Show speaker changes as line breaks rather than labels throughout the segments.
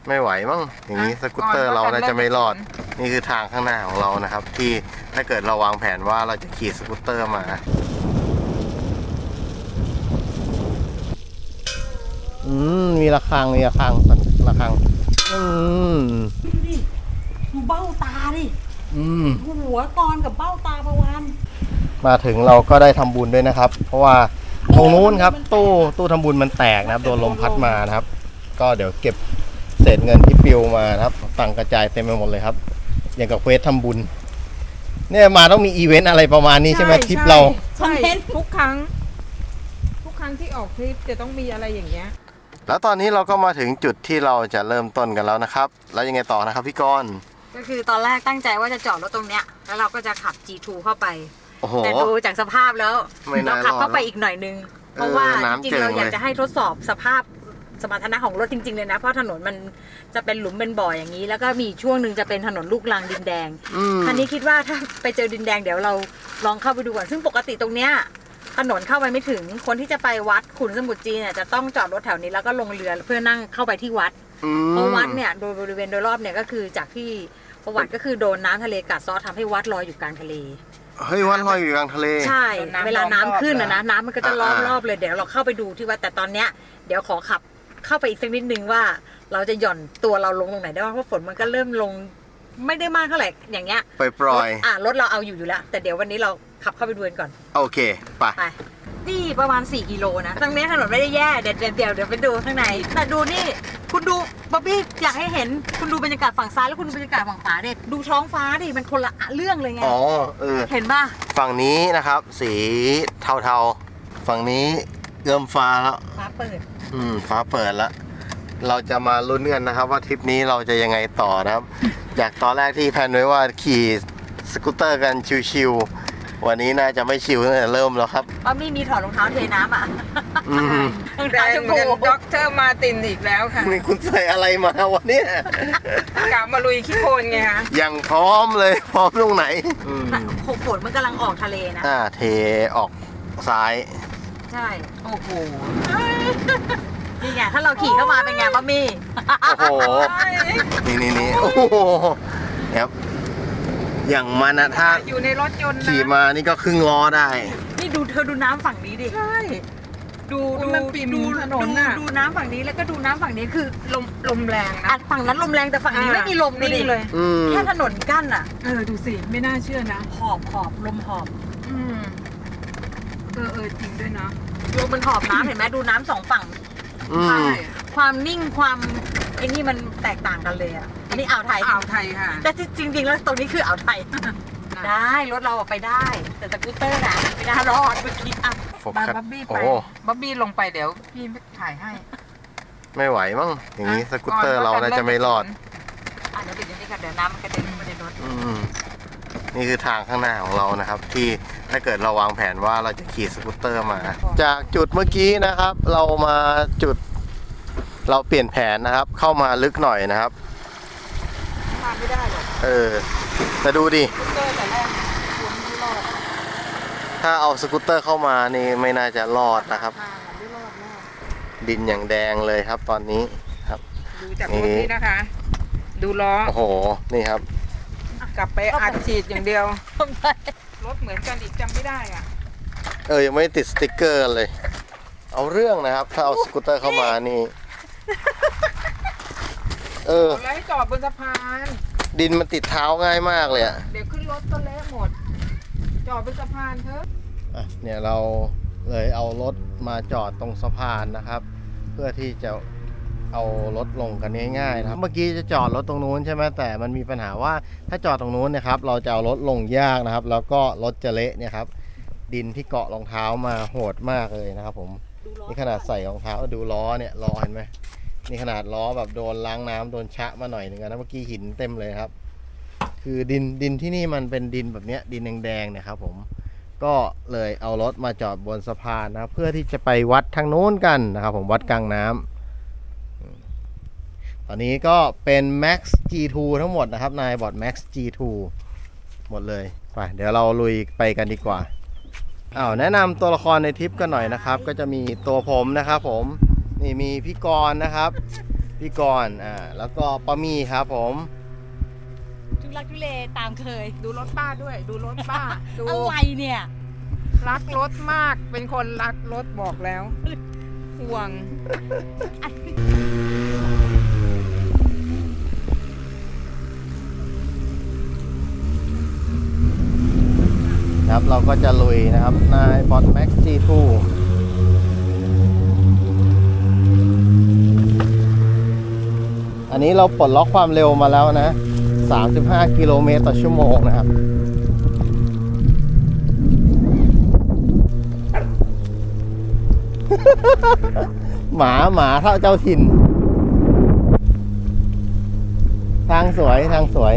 ไม่ไหวมั้งอย่างนี้สกูตเตอร์เราน่าจะไม่รอดนี่คือทางข้างหน้าของเรานะครับที่ถ้าเกิดเราวางแผนว่าเราจะขี่สกูตเตอร์มามีระฆังระฆัง
ดูเบ้าตาดิหัวกรกับเบ้าตาประวาน
มาถึงเราก็ได้ทำบุญด้วยนะครับเพราะว่าตรงนู้นครับตู้ทำบุญมันแตกนะครับโดนลมพัดมานะครับก็เดี๋ยวเก็บเศษเงินที่ปลิวมานะครับตังกระจายเต็มไปหมดเลยครับอย่างกับเควสทำบุญเนี่ยมาต้องมีอีเวนต์อะไรประมาณนี้ใช่ไหมทริปเรา
ใช่ทุกครั้งที่ออกทริปจะต้องมีอะไรอย่างเงี้ย
แล้วตอนนี้เราก็มาถึงจุดที่เราจะเริ่มต้นกันแล้วนะครับแล้วยังไงต่อนะครับพี่กรณ์
ก็คือตอนแรกตั้งใจว่าจะจอดรถตรงเนี้ยแล้วเราก็จะขับ G2 เข้าไปแต่ดูจากสภาพแล้วเราขับเข้าไปอีกหน่อยนึงเพราะว่าจริงๆเราอยากจะให้ทดสอบสภาพสมรรถนะของรถจริงๆเลยนะเพราะถนนมันจะเป็นหลุมเป็นบ่ออย่างนี้แล้วก็มีช่วงหนึ่งจะเป็นถนนลูกรังดินแดงคันนี้คิดว่าถ้าไปเจอดินแดงเดี๋ยวเราลองเข้าไปดูก่อนซึ่งปกติตรงเนี้ยถนนเข้าไปไม่ถึงคนที่จะไปวัดขุนสมุทรจีนเนี่ยจะต้องจอดรถแถวนี้แล้วก็ลงเรือเพื่อนั่งเข้าไปที่วัดเพราะวัดเนี่ยโดยบริเวณโดยรอบเนี่ยก็คือจากที่ประวัติก็คือโดนน้ำทะเลกัดเซาะทำให้วัดลอยอยู่กลางทะเล
เฮ้ยวัดลอยอยู่กลางทะเล
ใช่เวลาน้ำขึ้นนะน้ำมันก็จะล้อมรอบเลยเดี๋ยวเราเข้าไปดูที่วัดแต่ตอนเนี้ยเดี๋ยวขอขับเข้าไปอีกสักนิดนึงว่าเราจะหย่อนตัวเราลงตรงไหนได้บ้างเพราะฝนมันก็เริ่มลงไม่ได้มากเท่าไหร่อย่างเงี้ย
ปล่อย
รถเราเอาอยู่แล้วแต่เดี๋ยววันนี้เราขับเข้าไปดูกันก่อน
โอเคไป
นี่ประมาณ4 กิโลนะตรงนี้ถนนไม่ได้แย่เดี๋ยวไปดูข้างในแต่ดูนี่คุณดูบ๊อบบี้อยากให้เห็นคุณดูบรรยากาศฝั่งซ้ายแล้วคุณดูบรรยากาศฝั่งขวาเด็ดดูท้องฟ้าดิมันคนละเรื่องเลยไงเห็นป่ะ
ฝั่งนี้นะครับสีเทาๆฝั่งนี้เริ่มฟ้าแล้ว
ฟ้าเปิด
ฟ้าเปิดแล้วเราจะมาลุ้นกันนะครับว่าทริปนี้เราจะยังไงต่อนะครับจากตอนแรกที่แพลนไว้ว่าขี่สกูตเตอร์กันชิวๆวันนี้น่าจะไม่ชิวตั้งแต่เริ่มแล้วครับ
ป้ามี่มีถอดรองเท้าเทน้ำอ่ะ
รองเท้าชมพูด็อกเตอร์มาตินอีกแล้วค่ะ
นี่คุณใส่อะไรมาวันนี้
กลับมาลุยขี้โคลนไงคะ
ยังพร้อมเลยพร้อมตรงไหน
ฝนมันกำลังออกทะเลนะ
เทออกซ้าย
ใช่โอ้โหนี่ไงถ้าเราขี่เข้ามาเป็นไงป้ามี่
โอ้โหนี่โอ้โหครับอย่างมันนะถ้า
อยู่ในรถยนต์
ขี่มานี่ก็ครึ่งล้อได้
นี่ดูเธอดูน้ำฝั่งนี้ดิ
ใช่ดูมันปิ่มถนน
ดูน้ำฝั่งนี้แล้วก็ดูน้ำฝั่งนี้คือ
ลมแรงนะ
ฝั่งนั้นลมแรงแต่ฝั่งนี้ไม่มีลม
เลย
แค่ถนนกั้นอ่ะ
ดูสิไม่น่าเชื่อนะ
หอบลมหอบ
จริงด้วยนะ
ลมมันหอบน้ำเห็นไหมดูน้ำสองฝั่งใช่ความนิ่งความไอ้นี่มันแตกต่างกันเลยอ่ะอันนี้อ่าวไทย
ค่ะ
แต่จริงๆแล้วตรงนี้คืออ่าวไทยได้รถเราไปได้แต่สกูตเตอร์น่ะไม่ได้รอดเมื่อกี้
บ๊อบบี้ไปบ๊อบบี้ลงไปเดี๋ยวพี่ถ่ายให้
ไม่ไหวมั้งอย่างนี้สกูตเตอร์เราน่าจะไม่รอด
เดี๋ยวอย่างนี้ค่ะเดี๋ยวน้ำมันกระเด็นมาในรถ
นี่คือทางข้างหน้าของเรานะครับที่ถ้าเกิดเราวางแผนว่าเราจะขี่สกูตเตอร์มาจากจุดเมื่อกี้นะครับเรามาจุดเราเปลี่ยนแผนนะครับเข้ามาลึกหน่อยนะครับ
มาไม่ได้หรอก
แต่ดูดิถ้าเอาสกูตเตอร์เข้ามานี่ไม่น่าจะรอดนะครับดินอย่างแดงเลยครับตอนนี้ครับ
ดูจากรถนี้นะคะดูล้อ
โอ้โหนี่ครับ
กลับไปอัดฉีดอย่างเดียวรถเหมือนกันอีกจำไม่ได้อ่ะ
ยังไม่ติดสติ๊กเกอร์เลยเอาเรื่องนะครับถ้าเอาสกูตเตอร์เข้ามานี่
แล้วให้จอดบนสะพาน
ดินมันติดเท้าง่ายมากเลย
เดี๋ยวขึ้นรถก็เละหมดจอดบนสะพานเถอะ
เนี่ยเราเลยเอารถมาจอดตรงสะพานนะครับเพื่อที่จะเอารถลงกันง่ายๆนะครับเมื่อกี้จะจอดรถตรงนู้นใช่ไหมแต่มันมีปัญหาว่าถ้าจอดตรงนู้นนะครับเราจะเอารถลงยากนะครับแล้วก็รถจะเละเนี่ยครับดินที่เกาะรองเท้ามาโหดมากเลยนะครับผมนี่ขนาดใส่รองเท้าดูล้อเนี่ยล้อเห็นไหมนี่ขนาดล้อแบบโดนล้างน้ำโดนชะมาหน่อยหนึ่งนะเมื่อกี้หินเต็มเลยครับคือดินที่นี่มันเป็นดินแบบนี้ดินแดงๆเนี่ยครับผมก็เลยเอารถมาจอดบนสะพานนะครับเพื่อที่จะไปวัดทางโน้นกันนะครับผมวัดกลางน้ำตอนนี้ก็เป็น Max G2 ทั้งหมดนะครับนายบอร์ด Max G2 หมดเลยไปเดี๋ยวเราลุยไปกันดีกว่าแนะนำตัวละครในทริปกันหน่อยนะครับก็จะมีตัวผมนะครับผมนี่มีพี่กรณ์นะครับพี่กรณ์แล้วก็ป้ามี่ครับผม
ทุลักทุเลตามเคย
ดูรถป้าด้วย ดูรถป้า ดู
อะไรเนี่ย
รักรถมาก เป็นคนรักรถบอกแล้วห่วง
ครับเราก็จะลุยนะครับนายบอทแม็ก G2 อันนี้เราปลดล็อกความเร็วมาแล้วนะ 35 กิโลเมตรต่อชั่วโมงนะครับ หมาเท่าเจ้าถิ่น ทางสวยทางสวย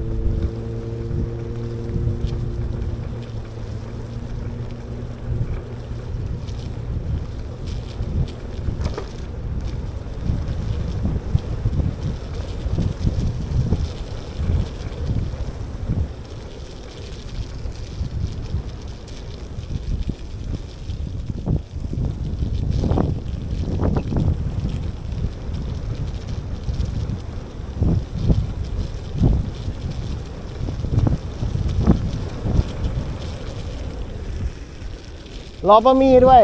รอป้ามี่ด้วย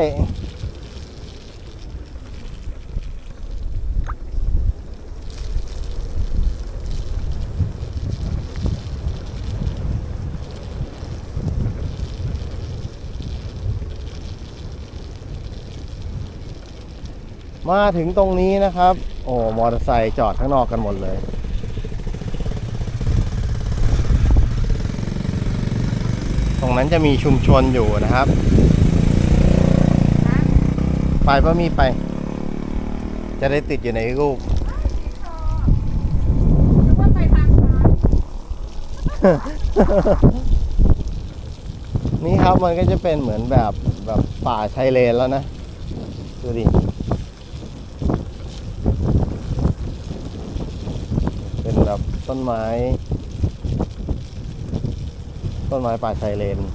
มาถึงตรงนี้นะครับ โอ้มอเตอร์ไซค์จอดข้างนอกกันหมดเลย ตรงนั้นจะมีชุมชนอยู่นะครับ ไปป้ามี่ไป จะได้ติดอยู่ในรูป นี่ครับมันก็จะเป็นเหมือนแบบป่าชายเลนแล้วนะ ดูดิ เป็นแบบต้นไม้ป่าชายเลน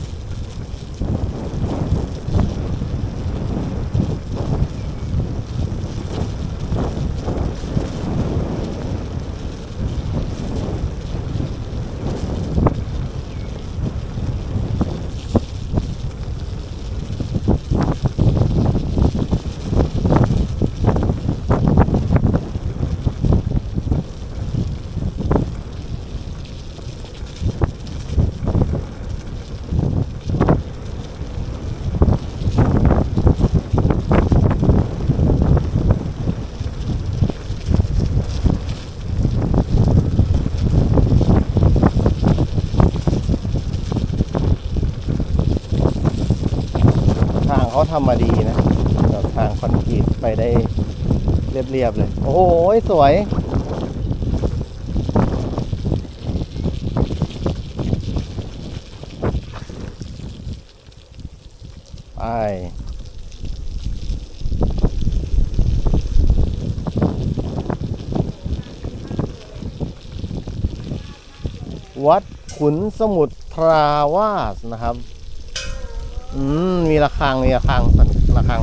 ทางเขาทำมาดีนะแบบทางคอนกรีตไปได้เรียบๆเลย โอ้โหสวย ไป วัดขุนสมุทรทราวาสนะครับ มีระฆังสั่นระฆัง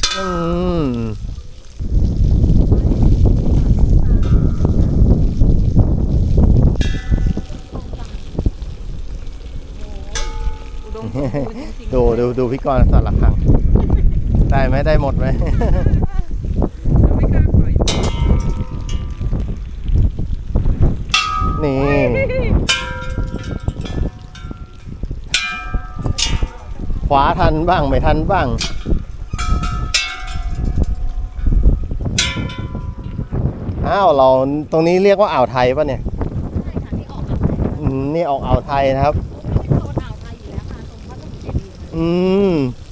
อุดมสมบูรณ์จริงๆ
ดูพี่กรณ์สั่นระฆัง ได้ไหมได้หมดไหม
เราไม่กล้าปล่อย
นี่ ขวาทันบ้างไม่ทันบ้าง อ้าวเราตรงนี้เรียกว่าอ่าวไทยป่ะเนี่ย
ใช่ค่ะที่ออกอ่าวไทย
นี่ออกอ่าวไทยนะครับ
โซนอ่าวไทยอยู่แล้วค่ะตรงพระสมุทรเจดีย์
อืม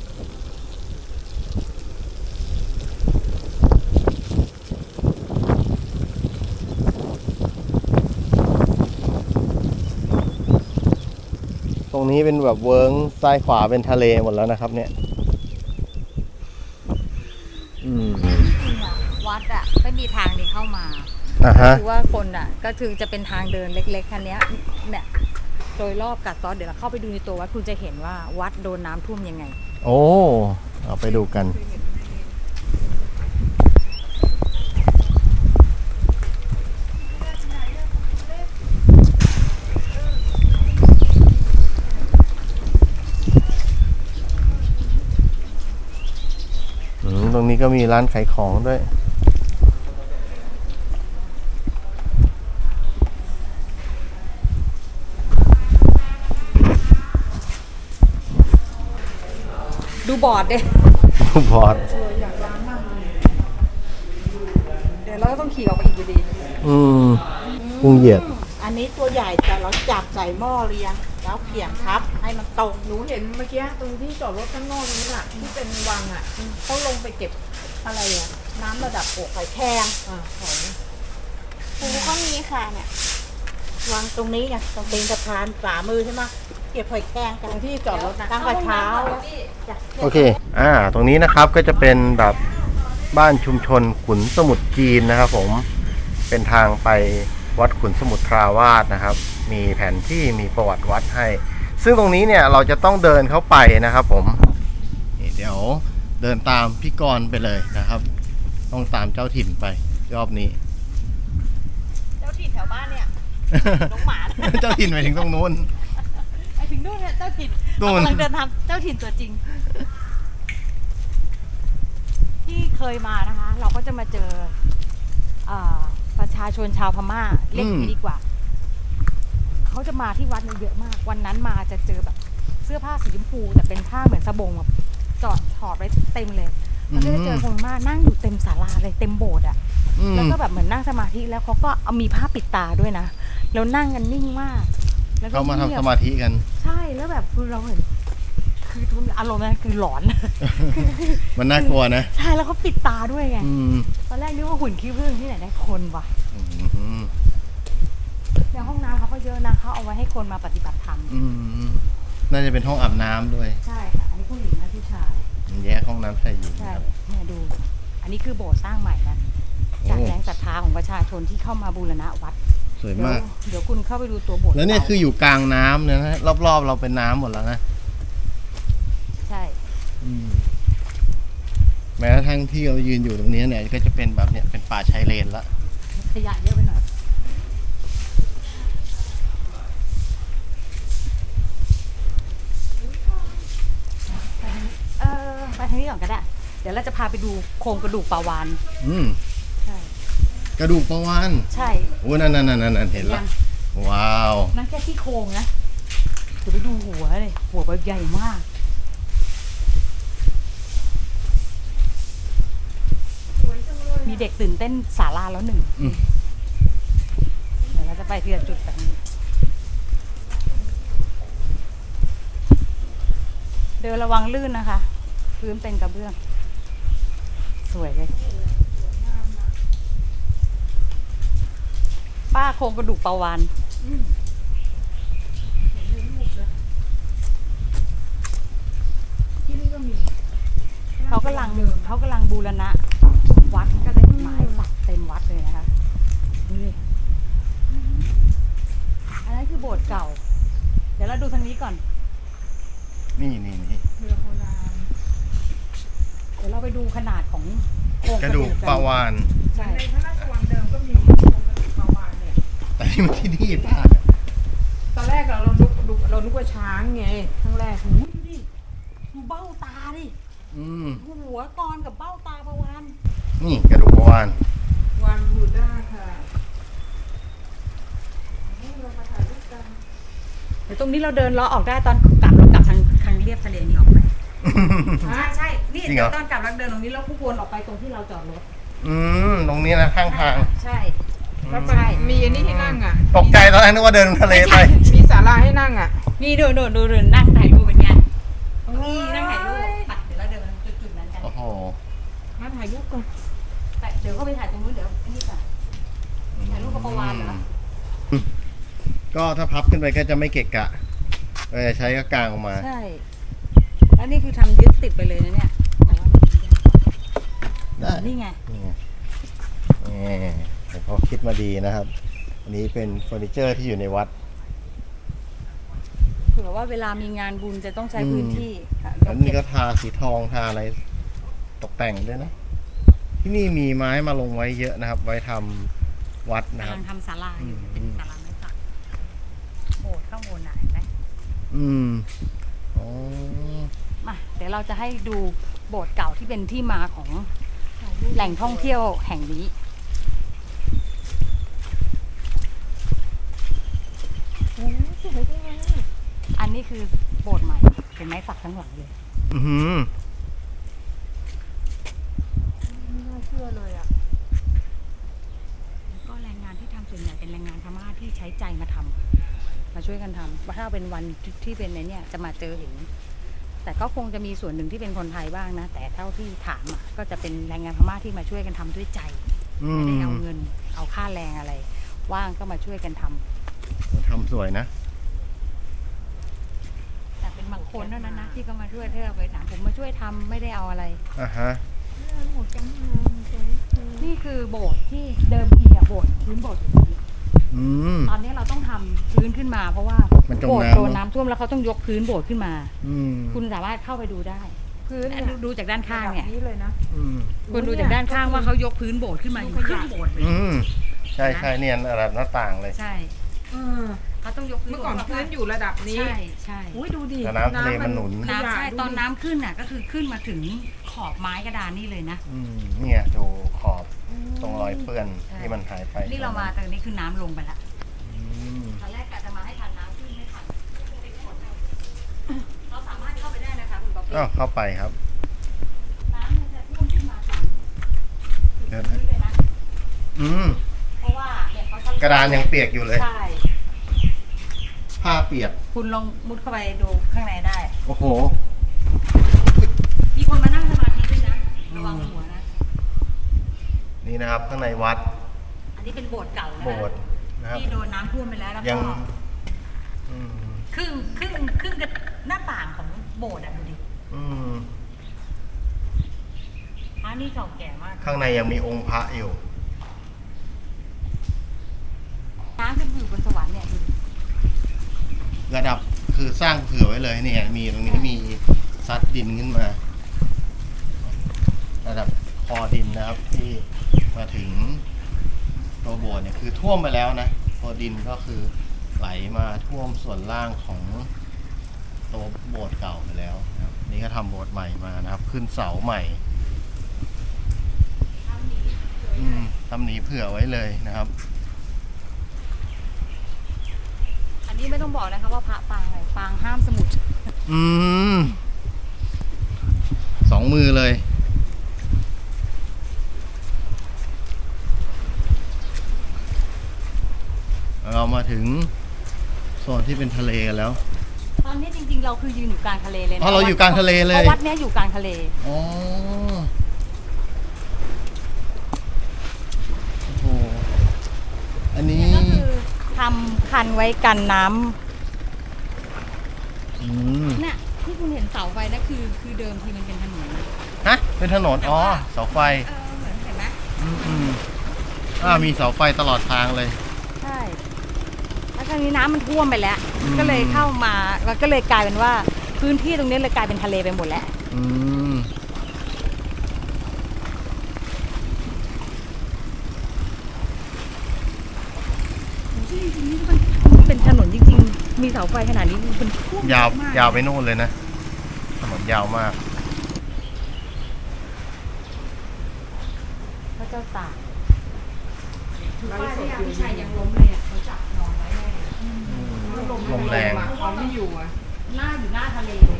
ตรงนี้เป็นแบบเวิ้งซ้ายขวาเป็นทะเลหมดแล้วนะครับเนี่ย
จริงๆอะวัดอะไม่มีทางนี้เข้ามา
ฮะ
คือว่าคนอะก็คือจะเป็นทางเดินเล็กๆคันนี้ยเนี่ยโดยรอบกัดซ้อนเดี๋ยวเราเข้าไปดูในตัววัดคุณจะเห็นว่าวัดโดนน้ำท่วมยังไง
โอ้ เอาไปดูกันนี้ก็มีร้านขายของด้วย
ดูบอร์ดดิ
บอร์ด
เดี๋ยวเราก็ต้องขี่ออกไปอีกอยู่ดี
กุ้งเหยียด
อันนี้ตัวใหญ่แต่เราจับใส่หม้อเรียงแล้วเขี่ยงทับให้มันตรง
หนูเห็นเมื่อกี้ตรงที่จอดรถข้างนอกนี้น่ะที่เป็นวังอ่ะเขาลงไปเก็บอะไรอ่ะ
น้ำระดับอกหอยแครง
ของ
ปูก็มีค่ะเนี่ยวางตรงนี้ไงตรงตีนสะพานฝ่ามือใช่ไหมเก็บหอยแครงกันที่จอดรถตั้งแต่เช้าจ้ะ
โอเคตรงนี้นะครับก็จะเป็นแบบบ้านชุมชนขุนสมุทรจีนนะครับผมเป็นทางไปวัดขุนสมุทรทราวาสนะครับมีแผนที่มีประวัติวัดให้ซึ่งตรงนี้เนี่ยเราจะต้องเดินเข้าไปนะครับผมนี่เดี๋ยวเดินตามพี่กรณ์ไปเลยนะครับต้องตามเจ้าถิ่นไปรอบนี้
เจ้าถิ่นแถวบ้านเนี่ยน้องหมา
เจ้าถิ่นไปถึงตรงนู้น
ไอถึงนู่นเนี่ยเจ้าถิ่น
นู่น
กำลังเดินทางเจ้าถิ่นตัวจริง ที่เคยมานะคะ เราก็จะมาเจอประชาชนชาวพม่าเรียกอย่างนี้ดีกว่า เขาจะมาที่วัดเนี่ยเยอะมาก วันนั้นมาจะเจอแบบเสื้อผ้าสีชมพูแต่เป็นผ้าเหมือนสบงแบบจอดถอดไว้เต็มเลยแล้วก็จะเจอคนพม่านั่งอยู่เต็มศาลาเลยเต็มโบสถ์อ่ะแล้วก็แบบเหมือนนั่งสมาธิแล้วเขาก็เอามีผ้าปิดตาด้วยนะแล้วนั่งกันนิ่งมากแล้วก็
เขามาทำสมาธิกัน
ใช่แล้วแบบคือเราเห็นคือทุกอารมณ์นั้นคือหลอน
มันน่ากลัวนะ
ใช่แล้วเขาปิดตาด้วยไง
อืม
ตอนแรกนึกว่าหุ่นขี้ผึ้งที่ไหนได้คนวะ
อืม
ในห้องน้ำเขาก็เยอะนะเขาเอาไว้ให้คนมาปฏิบัติธรรม
น่าจะเป็นห้องอาบน้ำด้วย
ใช่ค่ะอันนี้ผู้หญิงนะผู้ชาย
แยกห้องน้ำชายหญิง
ใช่
ครับ
เนี่ยดู อันนี้คือโบสถ์สร้างใหม่นะจากแรงศรัทธาของประชาชนที่เข้ามาบูรณะวัด
สวยมาก
เดี๋ยวคุณเข้าไปดูตัวโบสถ์
แล้วเนี่ยคืออยู่กลางน้ำเนี่ยนะรอบๆเราเป็นน้ำหมดแล้วนะ
ใช่
แม้กระทั่งที่เรายืนอยู่ตรงนี้เนี่ยก็จะเป็นแบบเนี่ยเป็นป่าชายเลนละ
ขยะเยอะไปหน่อยไปทางนี้ก่อนก็ได้ เดี๋ยวเราจะพาไปดูโครงกระดูกปลาวาฬ ใช่
กระดูกปลาวาฬ
ใช่
โอ้นั่นเห็นละว้าว
นั่นแค่ที่โครงนะเดี๋ยวไปดูหัวเลยหัวแบบใหญ่มากมีเด็กตื่นเต้นศาลาแล้วหนึ่งเดี๋ยวเราจะไปทีละจุดแบบนี้เดินระวังลื่นนะคะพื้นเป็นกระเบื้องสวยเลยป้าโครงกระดูกปลาวาฬ
ที่นี่ก็มี
เขากำลังบูรณะวัดก็เลยไม้สักเต็มวัดเลยนะคะนี่อันนั้นคือโบสถ์เก่า เดี๋ยวเราดูทางนี้ก่อน
นี่
เรือโบราณ
เดี๋ยวเราไปดูขนาดของโครง
กระดูกปลาวาฬ
ใช่
ในพระราชวังเดิมก็มีโครงกระดูกปลาวาฬเนี่ย
แต่นี่มันที่นี่ป้า
ตอนแรกเรานึกว่าช้างไงครั้งแรก
ดูดิดูเบ้าตาดิดูหัวกรกับเบ้าตาปลาวาฬ
นี่กระดูกปลาวาฬ
วานบูด้าค่ะเรามาถ่ายรูปกัน
เดี๋ยวตรงนี้เราเดินล้อออกได้ตอนกลับเรากลับทางเรียบทะเลนี้ออกไป ใช่นี่เดี๋ยวตอนกลับเราเดินตรงนี้แล้วผู้วนออกไปตรงที่เราจอดรถ
ตรงนี้นะข้างทาง
ใช่
แล้วไปมีอันนี้ให้นั่งอ่ะ
ตกใจตอนแรกนึกว่าเดินทะเลไป
มีศาลาให้นั่งอ่ะ
นี่ดูนั่งถ่ายรูปเป็นไงนี่นั่งถ่ายรูปปัดเดี๋ยวเราเดินไปจุดนั้นกัน
โอ้โห
มาถ่ายรูปก่อน
แต่เดี๋ยวเข้าไปถ่ายตรงนู้นเดี๋ยวนี่ก่อนถ่ายรูปกับปลาวาฬเหรอ
ก็ถ้าพับขึ้นไปก็จะไม่เกะกะเราจะใช้ก็กางออกมา
ใช่แล้วนี่คือทำยึดติดไปเลยนะเนี่ยแต่ว่า
ได้
นี่ไง
แต่เขาคิดมาดีนะครับ อันนี้เป็นเฟอร์นิเจอร์ที่อยู่ในวัด
เผื่อว่าเวลามีงานบุญจะต้องใช้พื้นที่ค่ะ
แล้วนี่ก็ทาสีทองทาอะไรตกแต่งด้วยนะ ที่นี่มีไม้มาลงไว้เยอะนะครับ ไว้ทำวัดนะค
กำ
รับ
ลังทำศาลาอยู่เป็นศาลาไม้สักโบสถ์ข้างบนน่ะเห็นไหม
อ๋อ
มาเดี๋ยวเราจะให้ดูโบสถ์เก่าที่เป็นที่มาของแหล่งท่องเที่ยวแห่งนี้
โอ้สวยจังเลย
อันนี้คือโบสถ์ใหม่เห็นไหมสักทั้งหลังเลย
อือหือ
ไม่น่าเชื่อเลยอ่ะ
ก็แรงงานที่ทำส่วนใหญ่เป็นแรงงานพม่าที่ใช้ใจมาทำมาช่วยกันทำถ้าเป็นวันที่เป็นในเนี่ยจะมาเจอเห็น แต่ก็คงจะมีส่วนหนึ่งที่เป็นคนไทยบ้างนะแต่เท่าที่ถามอ่ะก็จะเป็นแรงงานพม่าที่มาช่วยกันทำด้วยใจ
อื
ไม่
ม
ได้เอาเงินเอาค่าแรงอะไร ว่างก็มาช่วยกันทำ
ทำสวยนะ
แต่เป็นบางคนเท่านั้นนะที่ก็มาช่วยเธอไปถามผมมาช่วยทำไม่ได้เอาอะไร
อ่ะฮะ
หมดจังเลยสวย
นี่คือโบสถ์ที่เดิมทีอะโบสถ์พื้นโบสถ์อยู่ตรงนี้
อืม
ตอนนี้เราต้องทำพื้นขึ้นมาเพราะว่า
มันจม
โบสถ์
น้ำ
โดนน้ำท่วมแล้วเขาต้องยกพื้นโบสถ์ขึ้นมา
อืม
คุณสามารถเข้าไปดูได้
พื้นเนี่ย
ดูจากด้านข้างเนี่ย
ระดับนี้เลยนะ
อืม
คุณดูจากด้านข้างว่าเขายกพื้นโบสถ์ขึ้นมาอยู่ครึ่งโบสถ์เลย
อืม ใช่ใช่เนี่ยระดับหน้าต่างเลย
ใช่
เออ
เขาต้องยกพื้น
เมื่อก่อนพื้นอยู่ระดับนี้
ใช่ใช่
อุ้ยดูดิ
แต่น้ำทะเลมันหนุน
ขยะ
น้ำใช่
ดูดิ
ตอนน้ำขึ้นน่ะก็คือขึ้นมาถึงขอบไม้กระดานนี่เลยนะ
อืม เนี่ยดูขอบตรงรอยเปื้อนที่มันหายไป
นี่เรามาตรงนี้คือน้ำลงไปแล้ว
อืม
ตอนแรกกะจะมาให้ทันน้ำขึ้นไม่ทันเราสามารถเข้าไปได้นะคะคุณป๊อปปี้
อ้าวเข้าไปครับ
น้ำมันจะท่วมขึ้นมาถึงพื้นเลยนะ
อืม
เพราะว่าเนี่ยเขา
กระดานยังเปียกอยู่เลย
ใช่
ผ้าเปียก
คุณลองมุดเข้าไปดูข้างในได้
โอ้โห
มีคนมานั่งสมาธิด้วยนะระวังหัวนะ
นี่นะครับข้างในวัด
อันนี้เป็นโบสถ์เก่านะ
โบสถ์นะครับ
ที่โดนน้ำท่วมไปแล้วแล้ว
ยั
ก็
ง อืม
ครึ่งกับหน้าต่างของโบสถ์อ่ะดูดิ
อืม
พระนี่เก่าแก่มาก
ข้างในยังมีองค์พระอยู่
น้ำขึ้นไปอยู่บนสวรรค์เนี่ยดูดิ
ระดับคือสร้างเผื่อไว้เลยเนี่ย มีตรงนี้มีซัดดินขึ้นมา ระดับคอดินนะครับ ที่มาถึงตัวโบสถ์เนี่ยคือท่วมไปแล้วนะตัวดินก็คือไหลมาท่วมส่วนล่างของตัวโบสถ์เก่าไปแล้วนะครับนี่ก็ทำโบสถ์ใหม่มานะครับ ขึ้นเสาใหม่ทำหนีเผื่อไว้เลยนะครับ
อันนี้ไม่ต้องบอกนะคะว่าพระปางอะไรปางห้ามสมุด
อืม สองมือเลย เรามาถึงโซนที่เป็นทะเลกันแล้ว
ตอนนี้จริงๆ เราคือยืนอยู่กลางทะเลเลยนะ
อ๋อเราอยู่กลางทะเลเลย
เพราะวัดเนี้ยอยู่กลางทะเล
อ๋อโอ้โหอันนี้
ก็คือทำคันไว้กันน้ำ
อืม
เนี่ยที่คุณเห็นเสาไฟนะคือเดิมทีมันเป็นถนน
ฮะ เป็นถนน อ๋อ เสาไฟ
เหมือนเห็นไหม
อืมมีเสาไฟตลอดทางเลย
ใช่แล้วคราวนี้น้ำมันท่วมไปแล้ว
อืม
ก็เลยเข้ามาแล้วก็เลยกลายเป็นว่าพื้นที่ตรงนี้เลยกลายเป็นทะเลไปหมดแล้ว
อืม
จริงๆนี่มันเป็นถนนจริงๆ มีเสาไฟขนาดนี้มันเป็นท่วม
ยาว
มาก
ยาวไปโน่นเลยนะ ถนนยาวมาก
พระเจ้าตาก
ไล
ป้า
ฟ์ส
ที่
ด
ยา
อยู่
พิชัยยังล้มเลยอ่ะเขาจับนอนไว้แน่เลย
ลมแรง
เอาไม่อยู่อ่ะ
หน้าอยู่หน้าทะเลเลย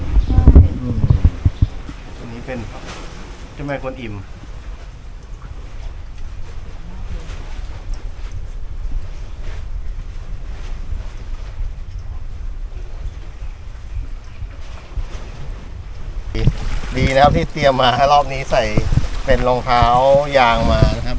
อันนี้เป็นเจ้าแม่กวนอิม ดีนะครับที่เตรียมมารอบนี้ใส่เป็นรองเท้ายางมานะครับ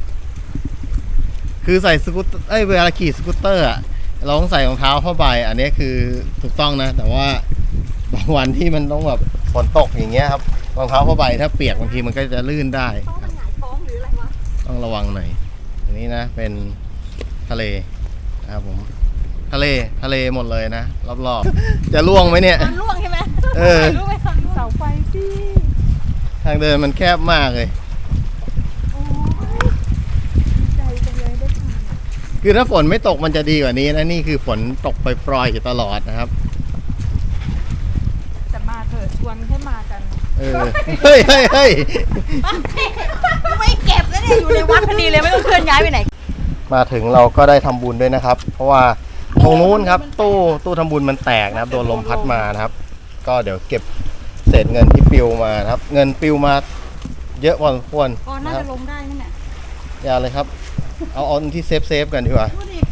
คือใส่สกูตเวลาขี่สกูตเตอร์อ่ะเราต้องใส่รองเท้าผ้าใบอันนี้คือถูกต้องนะ แต่ว่าบางวันที่มันต้องแบบฝนตกอย่างเงี้ยครับรองเท้าผ้าใบถ้าเปียกบางทีมันก็จะลื่นได้ครับ
หงายท้องหรืออะไรวะ
ต้องระวังหน่อยอันนี้นะเป็นทะเลนะครับผมทะเลหมดเลยนะรอบๆจะล่วงไหมเนี่ย
มันล่วงใช่ไหม
เออ
รู้ไหมตอนล่วง
เสาไฟสิ
ทางเดินมันแคบมากเลย
โอ้ยดีใจจังเลยได้ผ่านอะ
คือถ้าฝนไม่ตกมันจะดีกว่านี้นะนี่คือฝนตกปล่อยๆอยู่ตลอดนะครับ
แต่มาเถอะชวนให้มากัน
เฮ้ยเฮ้ยเฮ้ย
ไม่เก็บแล้วเนี่ยอยู่ในวัดพอดีเลยไม่ต้องเคลื่อนย้ายไปไหน
มาถึงเราก็ได้ทำบุญด้วยนะครับ เพราะว่าตรงนู้นครับตู้ทำบุญมันแตกนะครับโดนลมพัดมานะครับ ก็เดี๋ยวเก็บเศษเงินที่ปลิวมานะครับ เงินปลิวมาเยอะพอสมควร
ก็น่า
นะครั
จะ
บ
ลงได้นั่นแหละ
อย่าเลยครับ เอาที่เซฟกันดีกว่า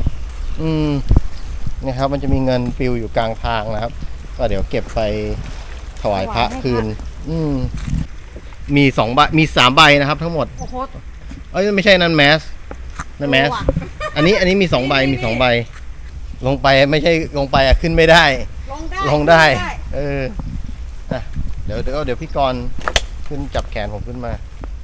นี่ครับมันจะมีเงินปลิวอยู่กลางทางนะครับ ก็เดี๋ยวเก็บไปถวายพระคืนมี2 ใบมี3 ใบนะครับ ทั้งหมด
โอ้โห
เอ้ยไม่ใช่นั่นแมสนั่นแมสอันนี้มี2 ใบมี2 ใบลงไปไม่ใช่ลงไปอะขึ้นไม่ได้ ลงได้อ่ะเดี๋ยวพี่กรณ์ขึ้นจับแขนผมขึ้นมา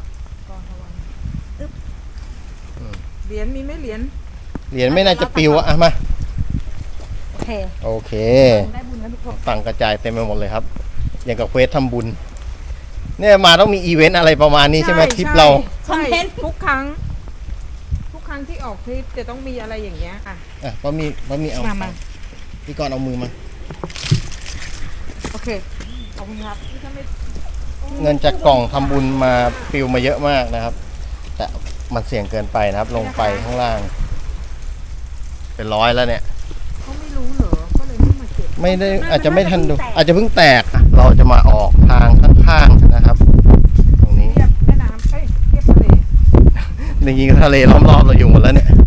เหรียญมีไหมเหรียญ
เหรียญไม่น่าจะปลิวอะมา
โอเค
โอเค
ได้บุญแล้วทุกคน
ตังค์กระจายเต็มไปหมดเลยครับ อย่างกับเควสทำบุญเนี่ยมาต้องมีอีเวนต์อะไรประมาณนี้ใช่ไหมทริปเรา
ใช่ทุกครั้งที่ออกทริปจะต้องมีอะไรอย่างเงี้ยอ่ะ
อ่ะบะหมี่เอา
มา
พี่กรณ์เอามือมา
โอเคขอบคุณครับ
เงินจากกล่องทำบุญมาปลิวมาเยอะมากนะครับ แต่มันเสี่ยงเกินไปนะครับ ลงไปข้างล่าง เป็น100แล้วเนี่ย
เขาไม่รู้เหรอก็เลยไม่มาเก็บ
ไม่ได้อาจจะไม่ทันดู อาจจะเพิ่งแตกอ่ะเราจะมาออกทางข้างๆนะครับ ตรงนี้
เทียบแม่น้ำเทียบทะเล
จริงๆทะเลล้อมรอบเราอยู่หมดแล้วเนี่ย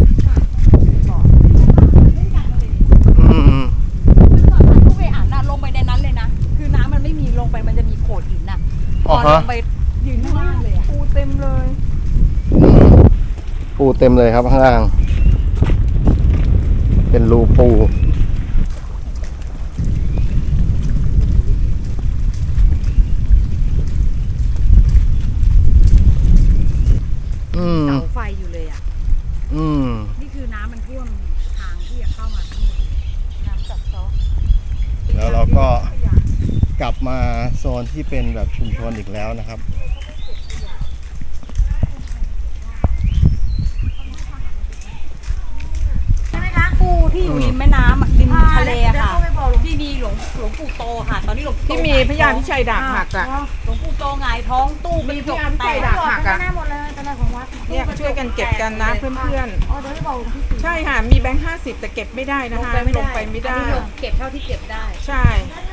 อืม
ผู้ไปอ่านน่ะลงไปในนั้นเลยนะคือน้ำมันไม่มีลงไปมันจะมีโขดหินน่ะพอลงไปยืนข้างล่างเลยอะ
ปูเต็มเลย
ปูเต็มเลยครับข้างล่าง เป็นรูปู
เสาไฟอยู่เลยอ่ะ นี่คือน้ำมันท่วมทางที่จะเข้ามาทั้งหมดน้ำกัดเซาะ
แล้วเราก็กลับมาโซนที่เป็นแบบชุมชนอีกแล้วนะครับ
ใช่ไหมคะปูที่อยู่ริมแม่น้ำอะริมทะเลอะค่ะที่มีหลวงปู่โตค่ะ ตอนนี้หลวงปู่โต
ที่มีพญาพิชัยดาบหักอ่ะ
หลวงปู่โตหงายท้องตู้เป็นจกแตก
ดาบหักอ่ะ
หมดเลยตอนแรกของวัด
เนี่ยช่วยกันเก็บกันนะเพื่อน
อ๋อเดี๋ยวจะบอกหลวงพี่
ๆใช่ค่ะมีแบงค์50แต่เก็บไม่ได้นะคะลงไปไม่ได้
อันนี้เก็บเท่าที่เก็บได้
ใช่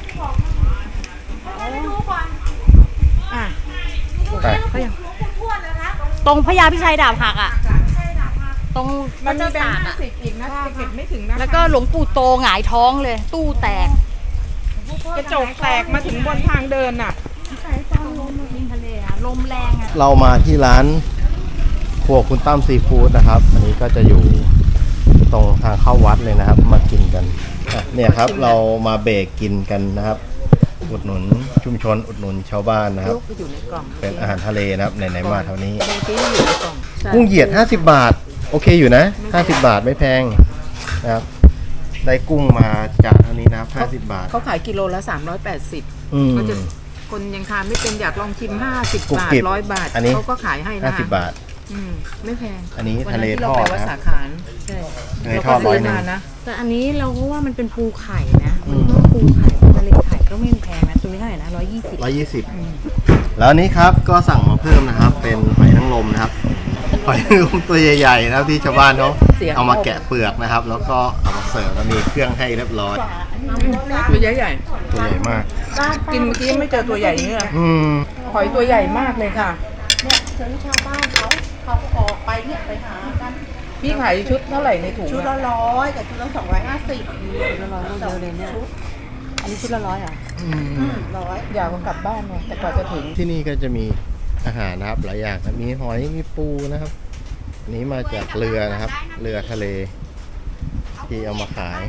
อ่ะ
ไป
ตรงพญาพิชัยดาบหักอ่ะ ตรง
มันมี
เจ้า
แบง
ตาก
ค์
อ่ะ
50อีกนะแต่เก็บไม่ถึงนะคะ
แล้วก็หลวงปู่โตหงายท้องเลย ตู้แตก
กระจกแตกมาถึงบนทางเดินน่ะ
ลมริมทะเลอะลมแรงอ่ะ
เรามาที่ร้านครัวคุณตั้มซีฟู้ดนะครับ อันนี้ก็จะอยู่ตรงทางเข้าวัดเลยนะครับ มากินกันเนี่ยครับเรามาเบรกกินกันนะครับ อุดหนุนชุมชนอุดหนุนชาวบ้านนะครับ
อยู่ในกล่อง
เป็นอาหารทะเลนะครับไหนๆมาเท่านี้
บางทีอยู่ในกล่อง
กุ้งเหยียด50 บาท โอเคอยู่นะ50 บาทไม่แพงนะครับ ได้กุ้งมาจานเท่านี้นะครับ50 บาท
เขาขายกิโลละ380
อืม
ก็จะคนยังทานไม่เป็นอยากลองชิม50
กรุบบ
าท
กริบ
100 บาท
อันนี้
เขาก็ขายให้นะ
50 บาท
ไม่แพง
อันนี้
วัน
ทะเล
นั้นที่
ท
เรา
อ
ไป
ด
วัด
นะค
สา
รับ
ขารใช่
ทะเลทอด
เราก็ซื้
100
มานะ
แต่อันนี้เราก็ว่ามันเป็นภูไข่นะภูไข่ทะเลไข่ก็ไม่แพงนะตัวนี้เท่าไหร่นะ120
แล้วอันนี้ครับก็สั่งมาเพิ่มนะครับ เป็นหอยนางรมนะครับหอยนางรมตัวใหญ่ๆนะครับที่ชาวบ้านเขาเอามาแกะเปลือกนะครับ แล้วก็เอามาเสิร์ฟแล้วมีเครื่องให้เรียบร้อย
ตัวใหญ่
ตัวใหญ่มาก
ๆกินเมื่อกี้ไม่เจอตัวใหญ่อย่างนี้เลย
อืม
หอยตัวใหญ่มากเลยค่ะ
เนี่ยถึงชาวบ้านเขาออกไปเนี่ยไปหากัน
พี่ขายชุดเท่าไหร่ในถุง
ชุดละ
อะ
100กับชุดละ250
ชุดละ100ก็เยอะเลยเนี่ยอันนี้ชุดละ100อ่ะ
100
อยากกลับบ้านเนี่ยแต่กว่าจะถึง
ที่นี่ก็จะมีอาหารนะครับหลายอย่างนะมีหอยมีปูนะครับอันนี้มาจากเรือนะครับ เรือทะเล ที่เอามาขาย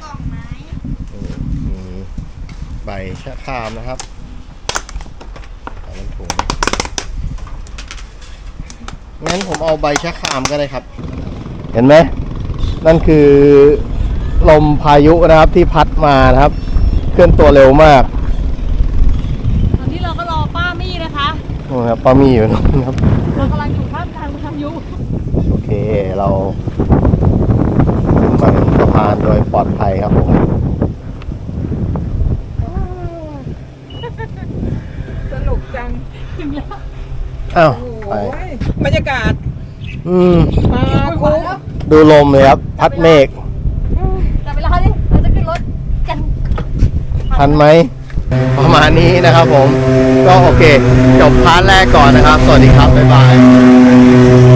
มีใบชะครามนะครับเอาเป็นถุงงั้นผมเอาใบชะครามก็ได้ครับ เห็นไหมนั่นคือลมพายุนะครับที่พัดมานะครับ เคลื่อนตัวเร็วมาก
ตอนนี้เราก็รอป้ามี่นะคะ
นู่นครับป้ามีอยู่นู่นครับ
เรากำลังอยู่ท่ามกลางพายุ
โอเคเราขึ้นมาถึงสะพานโดยปลอดภัยครับผม
ส
อ้าวไป
โอ้ยบรรยากาศ มาคุ้ม
ดูลมเลยครับ พัดเมฆ
แต่เวลาดิเราจะขึ้นรถกัน
ทันไหม ประมาณนี้นะครับผม ก็โอเค จบพาร์ทแรกก่อนนะครับ สวัสดีครับ บ๊ายบาย